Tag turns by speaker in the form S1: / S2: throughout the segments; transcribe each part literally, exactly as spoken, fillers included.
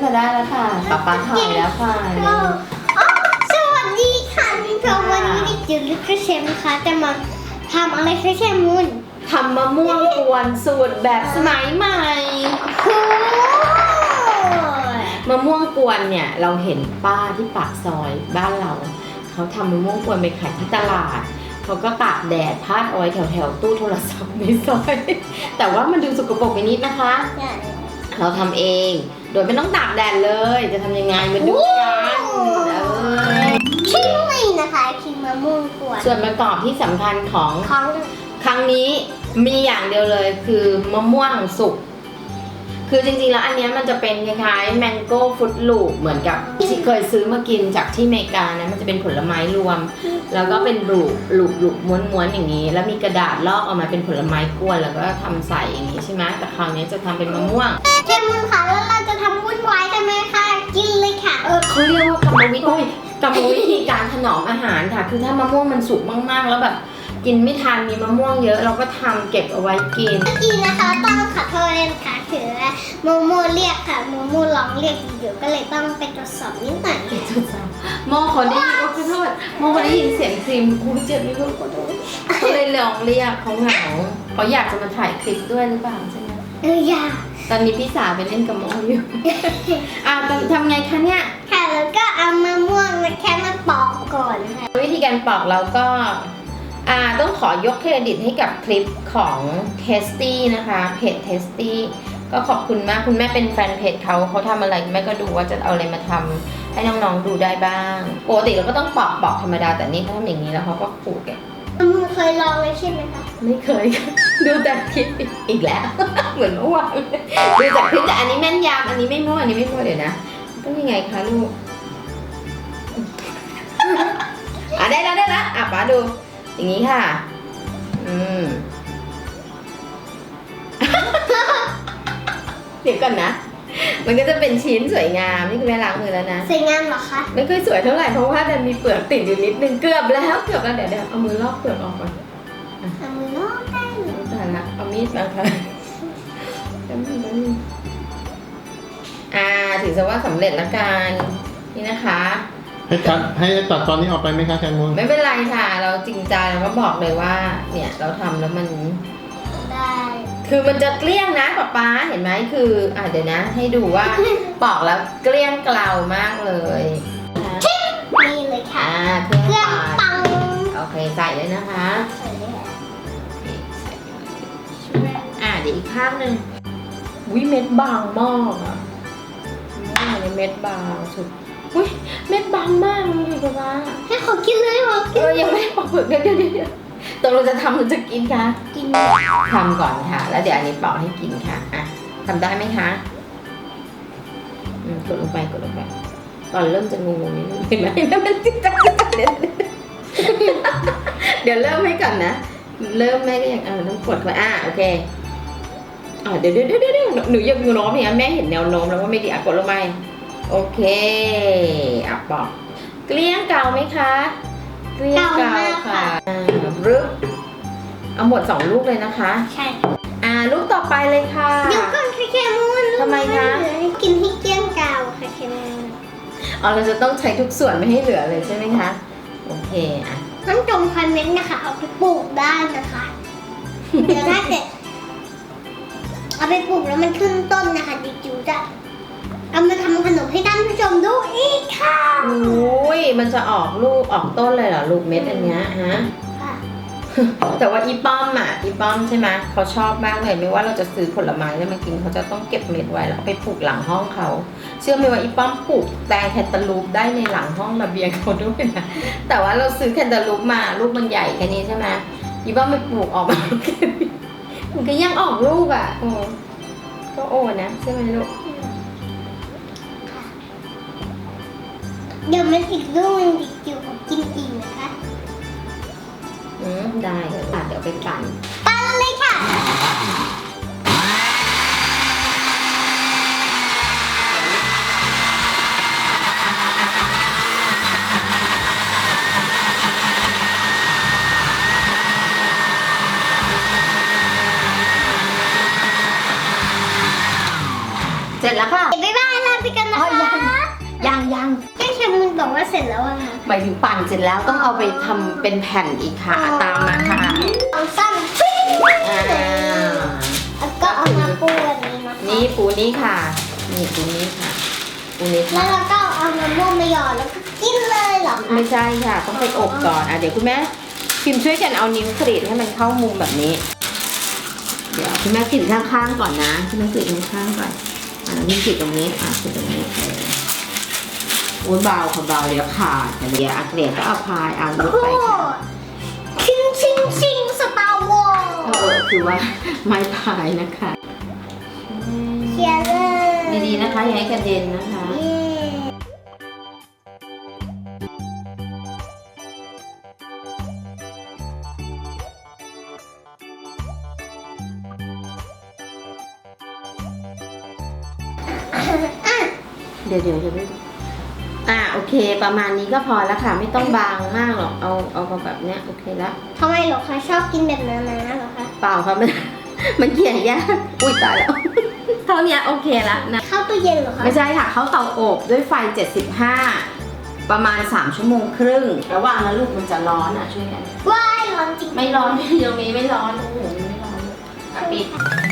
S1: ค่ะได้แล้วค่ะป๊าป๊าถ่ายแล้วค่ะ
S2: สวัสดีค่ะพี่พงวันนี้ดิจิวลิคเชมนะคะจะมาทำอะไรคะแคมูน
S1: ทำมะม่วงกวนสูตรแบบสมัยใหม่มะม่วงกวนเนี่ยเราเห็นป้าที่ปากซอยบ้านเราเขาทำมะม่วงกวนไปขายที่ตลาดเขาก็ตากแดดพาดเอาไว้แถวๆตู้โทรศัพท์ในซอยแต่ว่ามันดูสกปรกไปนิดนะคะเราทำเองโดยไม่ต้องตากแดดเลยจะทำยังไงมาดูกัน
S2: ชิ้นนี้นะคะชิ้นมะม่วงกวน
S1: ส่วนประกอบที่สำคัญของ
S2: ของ
S1: ครั้งนี้มีอย่างเดียวเลยคือมะม่วงสุกคือจริงๆแล้วอันนี้มันจะเป็นคล้ายๆแมงโก้ฟรุตลูปเหมือนกับที่เคยซื้อมากินจากที่อเมริกานะมันจะเป็นผลไม้รวมแล้วก็เป็นลูปลูปลูปม้วนๆอย่างนี้แล้วมีกระดาษลอกออกมาเป็นผลไม้กวนแล้วก็ทำใส่อย่างนี้ใช่ไหมแต่คราวนี้จะทำเป็นมะม่วง
S2: แคมูนค่ะแล้วเราจะทำวุ่นวายกันไหมคะกินเลยค่ะ
S1: เออเขาเรียกว่ากรรมวิธีกรรมวิธีการถนอมอาหารค่ะคือถ้ามะม่วงมันสุกมากๆแล้วแบบกินไม่ทันมีมะม่วงเยอะเราก็ทำเก็บเอาไว้กิน
S2: เมื่อกี้นะคะต้องขอโทษเลยค่ะคือโมโมเรียกค่ะโมโมร้องเรียกอยู่ก็เลยต้องไปตรวจสอบนิดหน่อย
S1: โมเขาได้ยินขอโทษโมเขาได้ยินเสียงครีมกูเจ็บไม่รู้ขอโทษเขาเลยร้องเรียกเขาเหงาเขาอยากจะมาถ่ายคลิปด้วยหรือเปล่าใช่ไหม
S2: เอออยาก
S1: ตอนนี้พี่สาวไปเล่นกับโมอยู่อ่าทำไงคะเนี่ย
S2: ค่ะแล้วก็เอามะม่วงมาแค่มาปอกก่อนค่ะ
S1: วิธีการปอกเราก็อ่าต้องขอยกเครดิตให้กับคลิปของ Tasty นะคะเพจ Tasty ก็ขอบคุณมากคุณแม่เป็นแฟนเพจเขาเขาทำอะไรแม่ก็ดูว่าจะเอาอะไรมาทำให้น้องๆดูได้บ้างปกติเราก็ต้องปอกปอกธรรมดาแต่นี่เขาทำอย่างนี้แล้วเขาก็ขูดแก
S2: มึงเคยลองเลยใช่ไหมคะ
S1: ไม่เคยดูแต่คลิปอีกแล้วเหมือนเมื่อวานดูจากคลิปแต่อันนี้แม่นยำอันนี้ไม่มั่วอันนี้ไม่มั่วเดี๋ยวนะต้องยังไงคะลูกอ่ะได้แล้วได้แล้วอ่ะป๋าดูอย่างนี้ค่ะอืมเดี๋ยวก่อนนะมันก็จะเป็นชิ้นสวยงามนี่คุณแม่ล้างมือแล้วนะ
S2: สวยงามเหรอคะ
S1: ไม่ค่อยสวยเท่าไหร่เพราะว่ามันมีเปลือกติดอยู่นิดนึงเกือบแล้วเกือบแล้วเดี๋ยวเดี๋ยวเอามือลอกเปลือกออกก่อน
S2: เอามือลอกได้เลย
S1: แต่ละเอามีดมาค่ะอ่าถือซะว่าสำเร็จละกันนี่นะคะ
S3: ให้ตัดให้ตัดตอนนี้ออกไปไหมคะแคมูน
S1: ไม่เป็นไรค่ะเราจริงใจเราก็บอกเลยว่าเนี่ยเราทำแล้วมัน
S2: ได้
S1: คือมันจะเกลี้ยงนะป๊าป๊าเห็นไหมคืออ่ะเดี๋ยวนะให้ดูว่าปอกแล้วเกลี้ยงเกลามากเลย
S2: นี่เลยค่ะ
S1: เครื่อง
S2: ปัง
S1: โอเคใส่เลยนะคะอ่ะเดี๋ยวอีกข้างหนึ่งวิเม็ดบางมากอ่ะนี่เม็ดบางสุดอุ้ยเม็ดบางมากเลยป๊าป๊า
S2: ให้ขอกินเลยเหรอ
S1: เออยังไม่ปอกเปลือกเดี๋ยวเดี๋ยวเดี๋ยวตกลงจะทำหรือจะกินคะ
S2: กิน
S1: ทำก่อนค่ะแล้วเดี๋ยวอันนี้ปอกให้กินค่ะอ่ะทำได้ไหมคะอืมกดลงไปกดลงไปตอนเริ่มจะงงๆนิดนึงเห็นไหมแล้วมันจิ๊กจักจิ๊กจักเดี๋ยวเดี๋ยวเริ่มให้ก่อนนะเริ่มแม่ก็ยังเออต้องกดไปอ่ะโอเคอ่ะเดี๋ยวเดี๋ยวเดี๋ยวเดี๋ยวหนูยังโน้มเนี่ยแม่เห็นแนวโน้มแล้วว่าไม่ดีอ่ะกดลงไปโอเคอ่ะปอกเกลี้ยงเกาไหมคะเกลี้ยงเกาค่ะรึบเอาหมดสองลูกเลยนะคะ
S2: ใช่
S1: อ่าลูกต่อไปเลยค่ะ
S2: เดี๋ยวก่อนค่ะแคมูน
S1: ทำไมคะ
S2: กินให้เกลี้ยงเกาค่ะแคมูน
S1: อ๋อเราจะต้องใช้ทุกส่วนไม่ให้เหลือเลยใช่ไหมคะโอเคอ่ะ
S2: น้ำจมคอนเวนต์นะคะเอาไปปลูกได้นะคะเดี๋ยวถ้าเกิดเอาไปปลูกแล้วมันขึ้นต้นนะคะดิจิวจะเอามาทำขนมให้ท่านผู้ชมดูอีกค่ะ
S1: โอ้ยมันจะออกลูกออกต้นเลยเหรอลูกเม็ดอันเนี้ยฮะแต่ว่าอีป้อมอ่ะอีป้อมใช่ไหมเขาชอบมากเลยไม่ว่าเราจะซื้อผลไม้แล้วมากินเขาจะต้องเก็บเม็ดไว้แล้วไปปลูกหลังห้องเขาเชื่อไหมว่าอีป้อมปลูกแตงแคนตาลูปได้ในหลังห้องระเบียงเขาด้วยนะแต่ว่าเราซื้อแคนตาลูปมาลูกมันใหญ่แค่นี้ใช่ไหมอีป้อมไปปลูกออกมามันก็ยังออกลูกอ่ะโอ้ก็โอ้นะใช่ไหมลูก
S2: เดี๋ยวมันอีกลูกนึงดิจิวของกินอีกนะคะ
S1: อืมได้ค่ะเดี๋ยวไปปั่น
S2: ปั่นเลยค่ะ
S1: เสร็จแล้วค่ะ
S2: บ๊ายบายลาไปกันนะคะร็จแล้วอะค่ะ
S1: หมายถึงปั่นเสร็จแล้วต้องเอาไปทำเป็นแผ่นอีกค่ะตามมาค่ะ
S2: เอาสั้นปิ้ง
S1: อ่า
S2: แล้วก็เอามาปูแบบนี้นะคะ
S1: นี่ปูนี้ค่ะ นี่ปูนี้ค่ะปูนี้
S2: แล้
S1: ค่ะ
S2: วเราก็เอามะม่วงมาหยอดแล้วก็กินเลยเหรอคะ
S1: ไม่ใช่ค่ะ ต้องไปอบก่อนอ่ะเดี๋ยวคุณแม่พิมช่วยกันเอานิ้วกรีดให้มันเข้ามุมแบบนี้ เดี๋ยวคุณแม่กรีดข้างๆก่อนนะคุณแม่กรีดข้างๆก่อนอ่านิ้วกรีดตรงนี้อ่ะกรีดตรงนี้เออโอ้ยเบาค่ะเบาเดี๋ยวขาดเดี๋ยวอักเดียก็เอาพายเอายกไปค่ะ
S2: ชิงชิงชิงสตาร์วอล
S1: เออคือว่าไม้พายนะคะ
S2: เชียร์เลย
S1: ดีๆนะคะอย่าให้กระเด็นนะคะ
S2: เย้อ่ะ
S1: เดี๋ยวเดี๋ยวเดี๋ยวอ่ะโอเค ประมาณนี้ก็พอแล้วค่ะ ไม่ต้องบางมากหรอกเอาเอาแบบเนี้ยโอเคแล้ว
S2: ทำไมเหรอคะชอบกินแบบนั้นนะเหรอคะ
S1: เปล่าค่ะมัน มันเขี่ยยากอุ้ยตายแล้ว เท่านี้โอเคแล้วนะ
S2: เข้าตู้เย็นเหรอคะ
S1: ไม่ใช่ค่ะเขาเตาอบด้วยไฟเจ็ดสิบห้าประมาณสามชั่วโมงครึ่งระหว่างนั้นลูกมันจะร้อนอ่ะช่วยกัน
S2: ว้ายร้อนจริง
S1: ไม่ร้อนตรงนี้ไม่ร้อนโอ้โหไม่ร้อนอ่ะปิด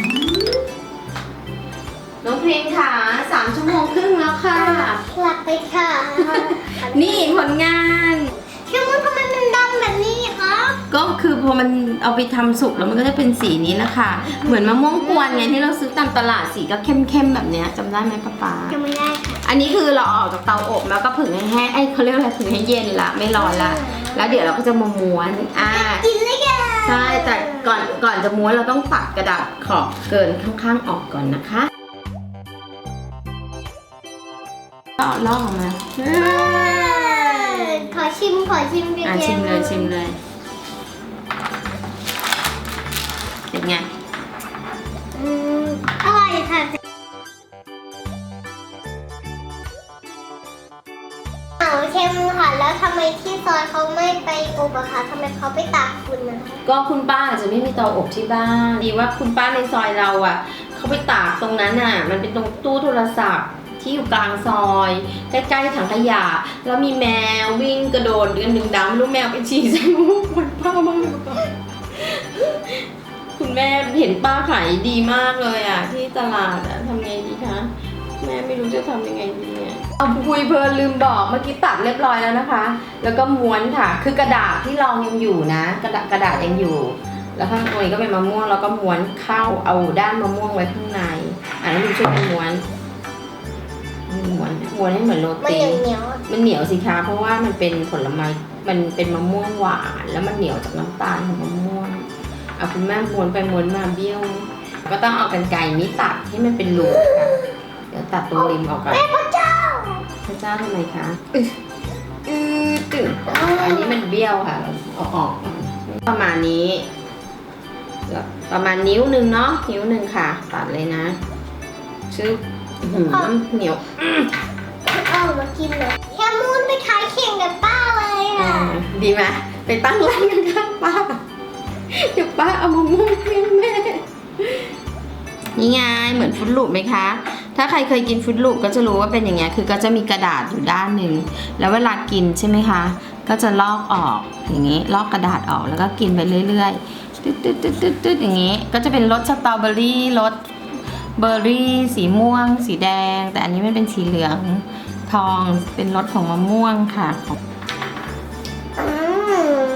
S1: น้องพริมค่ะสามชั่วโมงครึ่งแล้วค่ะ
S2: หลับไปค่ะ
S1: นี่ผลงาน
S2: เชื่อมันทำไมมันดำแบบนี้คะ
S1: ก็คือพอมันเอาไปทำสุกแล้วมันก็จะเป็นสีนี้แหละค่ะ เหมือนมะม่วงกวนไงที่เราซื้อตามตลาดสีก็เข้มๆแบบเนี้ยจำได้ไหมป๊าป๊า
S2: จะไม่ได้ค่ะ
S1: อันนี้คือเราเอาออกจากเตาอบแล้วก็ผึ่งให้แห้งไอ้ยเขาเรียกอะไรผึ่งให้เย็นละไม่ร้อนละแล้วเดี๋ยวเราก็จะมาม้วนอ่า
S2: กินเลยค่ะ
S1: ใช่แต่ก่อนก่อนจะม้วนเราต้องตัดกระดาษขอบเกินข้างๆออกก่อนนะคะก็เอาลอกออกมา
S2: ขอชิมขอชิมเดี๋ยว
S1: อ่ะชิมเลยชิมเลยเป็นไง
S2: อืมอร่อยค่ะเอาเค็มค่ะแล้วทำไมที่ซอยเขาไม่ไปอบอะคะทำไมเขาไปตากฝุ่นนะคะ
S1: ก็คุณป้าอาจจะไม่มีเตาอบที่บ้านดีว่าคุณป้าในซอยเราอ่ะเขาไปตากตรงนั้นน่ะมันเป็นตรงตู้โทรศัพท์ที่อยู่กลางซอยใกล้ๆถังขยะแล้วมีแมววิ่งกระโดดกันดึงดำไม่รู้แมวไปฉี่ใส่มุกมันป้ามากเลยป้าคุณแม่เห็นป้าขายดีมากเลยอ่ะที่ตลาดอ่ะทำไงดีคะแม่ไม่รู้จะทำยังไงดีเนี่ยเอาคุยเพลินลืมบอกเมื่อกี้ตัดเรียบร้อยแล้วนะคะ แล้วก็ม้วนค่ะ คือกระดาษที่รองยังอยู่นะ กระดาษกระดาษยังอยู่ แล้วข้างในก็เป็นมะม่วงแล้วก็ม้วนเข้าเอาด้านมะม่วงไว้ข้างในอ่ะแล้วดูช่วยกันม้วนม้วนม้วนให้เหมือนโร
S2: มัน
S1: ตี
S2: เหนียวๆอะ
S1: มันเหนียวสิคะเพราะว่ามันเป็นผลไม้มันเป็นมะม่วงหวานแล้วมันเหนียวจากน้ำตาลของมะม่วงเอาคุณแม่ม้วนไปม้วนมาเบี้ยว ก็ต้องเอากรรไกรนี้ตัดให้มันเป็นรูค่ะเดี๋ยวตัดตรงริมออกก่อน
S2: แม่พระเจ้า
S1: พระเจ้าทำไมคะอืออือตึงอันนี้มันเบี้ยวค่ะเราเอาออกก่อนประมาณนี้แล้วประมาณนิ้วหนึ่งเนาะนิ้วหนึ่งค่ะ ตัดเลยนะชื่ออื้อหือเหนียว
S2: เอามากินเลยแค่มูนไปขายเข่งกับป้าเลย
S1: อ่า
S2: ค่ะ
S1: ดีไหมไปตั้งร้านกันข้างป้าเดี๋ยวป้าเอามะม่วงเลี้ยงแม่นี่ไงเหมือนฟรุตลูปไหมคะ ถ้าใครเคยกินฟรุตลูปก็จะรู้ว่าเป็นอย่างเงี้ยคือก็จะมีกระดาษอยู่ด้านหนึ่งแล้วเวลากินใช่ไหมคะ ก็จะลอกออกอย่างนี้ลอกกระดาษออกแล้วก็กินไปเรื่อยๆตึ๊ดตึ๊ดตึ๊ดตึ๊ดตึ๊ดอย่างนี้ ก็จะเป็นรสสตรอเบอรี่รสเบอร์รี่สีม่วง สีแดง แต่อันนี้มันเป็นสีเหลืองทองเป็นรสของมะม่วงค่ะของ
S2: อืม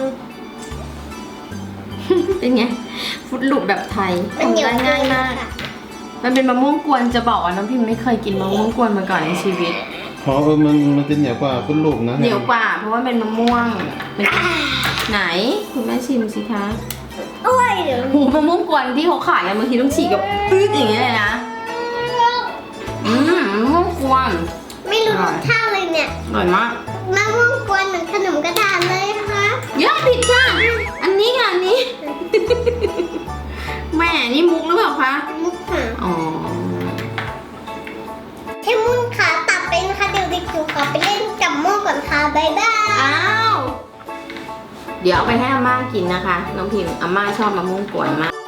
S1: เป็นไงฟรุตลูปแบบไทย
S2: มันเหนียว
S1: ทำได้ง่ายมาก
S2: ค่ะ
S1: มันเป็นมะม่วงกวนจะบอกว่าน้องพิมไม่เคยกินมะม่วงกวนมาก่อนในชีวิต
S3: พอเออมันมันจะเหนียวกว่าคุณลูกนะ
S1: เหนียวกว่าเพราะว่าเป็นมะม่วงเป็นไหนคุณแม่ชิมสิคะ
S2: โอ้ยเดี๋ยว
S1: หูมะม่วงกวนที่เขาขายกันบางทีต้องฉีกกับปื๊ดอย่างเงี้ยเลยนะอืมมะม่วงกวน
S2: ไม่รู้รสชาติเลยเนี่ย
S1: อร่อยมาก
S2: มะม่วงกวนเหมือนขนมกระดาษเลยนะคะ
S1: เยอะผิดค่ะอันนี้ค่ะอันนี้ แม่นี่มุกหรือเปล่าคะ
S2: มุกค่ะ
S1: อ๋อ
S2: เทมุนขาตัดไปนะคะเดี๋ยวเด็กจิ๋วขอไปเล่นกับโม่ก่อนค่ะบ๊ายบาย
S1: อ้าวเดี๋ยวเอาไปให้อาม่ากินนะคะน้องพิมอาม่าชอบมะม่วงกวนมาก